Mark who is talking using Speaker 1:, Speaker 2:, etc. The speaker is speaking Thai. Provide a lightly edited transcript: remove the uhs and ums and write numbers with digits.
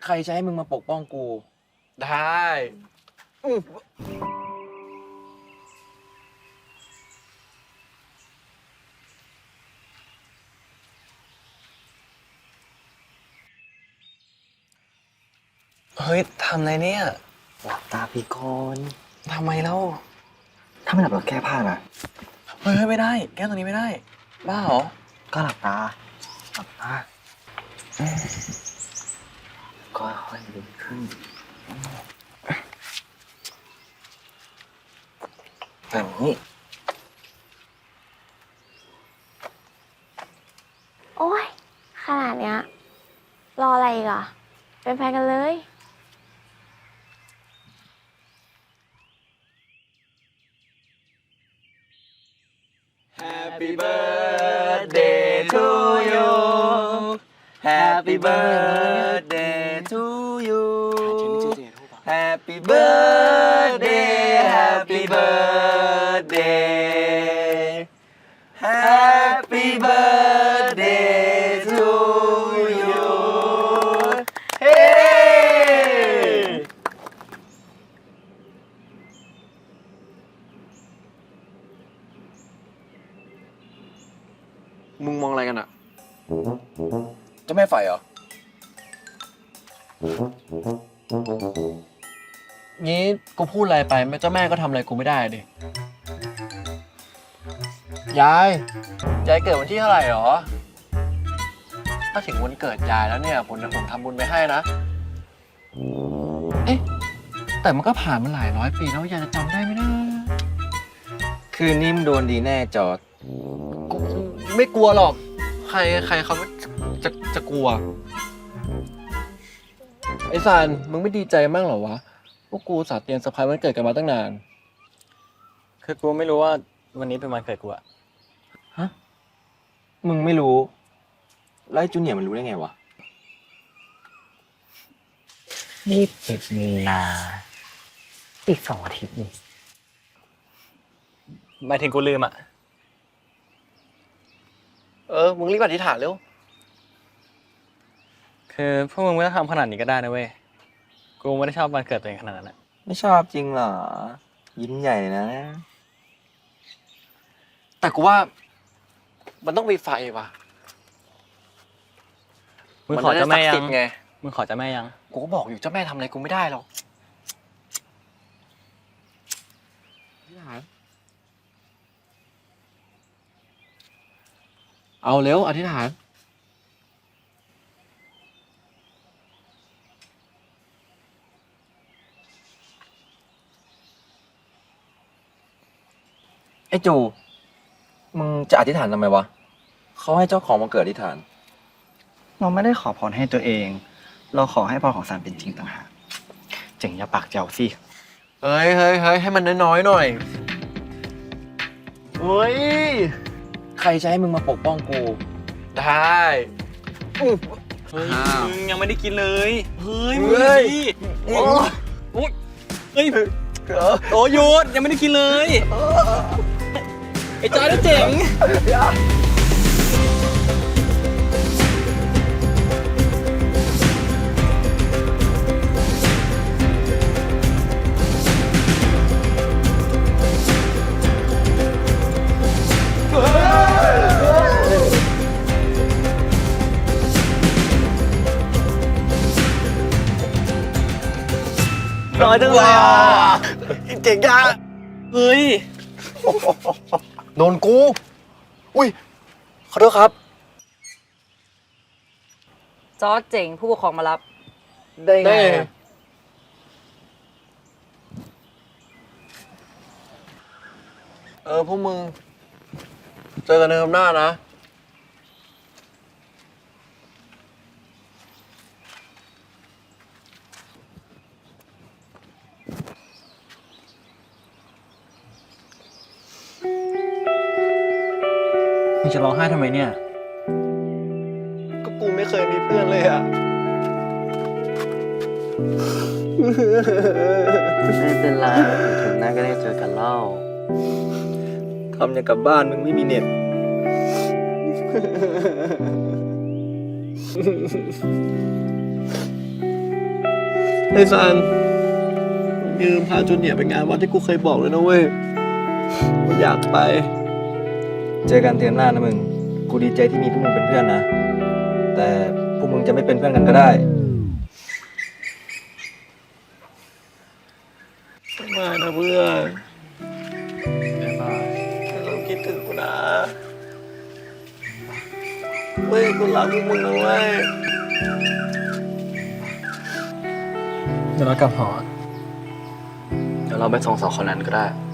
Speaker 1: รจะให้มึงมาปกป้องกู
Speaker 2: ได้เฮ้ยทำอะไรเนี่ย
Speaker 3: หลับตาพี่ก่อน
Speaker 2: ทำไมเล่า
Speaker 3: ถ้าไม่หลับเราแก้ผ้านะ
Speaker 2: เฮ้ยไม่ได้แก้ตรงนี้ไม่ได้บ้าเหรอ
Speaker 3: ก็หลับตาก็ค่อยดึงขึ้นแบบนี้
Speaker 4: โอ้ยขนาดเนี้ยรออะไรอีกอ่ะเป็นแฟนกันเลย
Speaker 2: Happy birthday to you Happy birthday to you Happy birthday Happy birthday Happy birthday to you Hey มึงมองอะไรกันอะเจ้าแม่ไฟเหรอ งี้กูพูดอะไรไปเจ้าแม่ก็ทำอะไรกูไม่ได้ดิ ยายเกิดวันที่เท่าไหร่หรอ ถ้าถึงวันเกิดยายแล้วเนี่ยผมทำบุญไปให้นะ เอ๊ะ แต่มันก็ผ่านมาหลายร้อยปีแล้วยายจะจำได้ไหมนะ
Speaker 1: คืนนี้มึงโดนดีแน่จอร์จ
Speaker 2: กูไม่กลัวหรอก ใครเขาจะกลัว ไอ้ซานมึงไม่ดีใจมั่งเหรอวะ พวกกูสาเตรียมเซอร์ไพรส์วันเกิดกันมาตั้งนาน
Speaker 5: คือกูไม่รู้ว่าวันนี้เป็นวันเกิดกูอะ
Speaker 1: มึงไม่รู้ แล้วไอ้จูเนียร์มันรู้ได้ไงวะ
Speaker 3: 21 มีนาอีก2 อาทิตย์นี่
Speaker 5: หมายถึงกูลืมอะ
Speaker 2: มึงรีบอธิษฐานเร็ว
Speaker 5: คือพวกมึงไม่ต้องทำขนาดนี้ก็ได้นะเว้ย กูไม่ได้ชอบวันเกิดตัวเองขนาดนั้นอะ
Speaker 1: ไม่ชอบจริงเหรอ ยิ้มใหญ่เลยนะ
Speaker 2: แต่กูว่ามันต้องมีไฟว่ะ
Speaker 5: มึงขอเจ้าแม่ยั
Speaker 2: นจะได้ศักดิ์สิท
Speaker 5: ง
Speaker 2: ธิ์ไง
Speaker 5: มึงขอเจ้าแม่ยัง
Speaker 2: กูก็บอกอยู่เจ้าแม่ทำอะไรกูไม่ได้หรอก เอาเร็วอธิษฐาน
Speaker 1: ไอ้จู มึงจะอธิษฐานทำไมวะ เขาให้เจ้าของมาเกิดอธิษฐาน
Speaker 3: เราไม่ได้ขอพรให้ตัวเอง เราขอให้พรของสารเป็นจริงต่างหากเจ๋งอย่าปากเจ้าสิ
Speaker 2: เฮ้ยให้มันน้อยๆหน่อยเฮ้ย
Speaker 1: ใครจะให้มึงมาปกป้องกู
Speaker 2: ได้
Speaker 5: เฮ้ย
Speaker 1: อ้าว
Speaker 5: มึงยังไม่ได้กินเลย เฮ้ย
Speaker 2: เฮ้
Speaker 5: มึง
Speaker 2: ย
Speaker 5: สิโอ้ยเฮ้ยโอ้ยหยุดยังไม่ได้กินเลย ไอ้จอยได้เจ๋ง
Speaker 2: น้อยจังเลยอ่ะเจ๋งจัง
Speaker 5: เฮ้ย
Speaker 2: โดนกู อุ้ย ขอโทษครับ
Speaker 6: จอร์จเจ๋งผู้ปกครองมารับ
Speaker 2: ได้ไงพวกมึง เจอกันเดิมหน้านะ
Speaker 5: มึงจะร้องไห้ทำไมเนี่ย
Speaker 2: ก็กูไม่เคยมีเพื่อนเลยอ่ะ
Speaker 3: ไม่เป็นไรถึงหน้าก็ได้เจอกันเล่า
Speaker 1: ทำอย่างกับบ้านมึงไม่มีเน็ต
Speaker 2: เไอ้ซันยืมพาจูเนียร์ไปงานวัดที่กูเคยบอกเลยนะเว้ยกูอยากไป
Speaker 1: เจอกันเทอมหน้านะมึง กูดีใจที่มีพวกมึงเป็นเพื่อนนะ แต่พวกมึงจะไม่เป็นเพื่อนกันก็ได้
Speaker 2: ไม่นะเพื่อนบ๊ายบายเราคิดถึงกูนะเว้ยกูรักพวกมึงนะเว้ย
Speaker 3: เดี๋ยวเรากลับหอ
Speaker 2: เดี๋ยวเราไปส่งสองคนนั้นก็ได้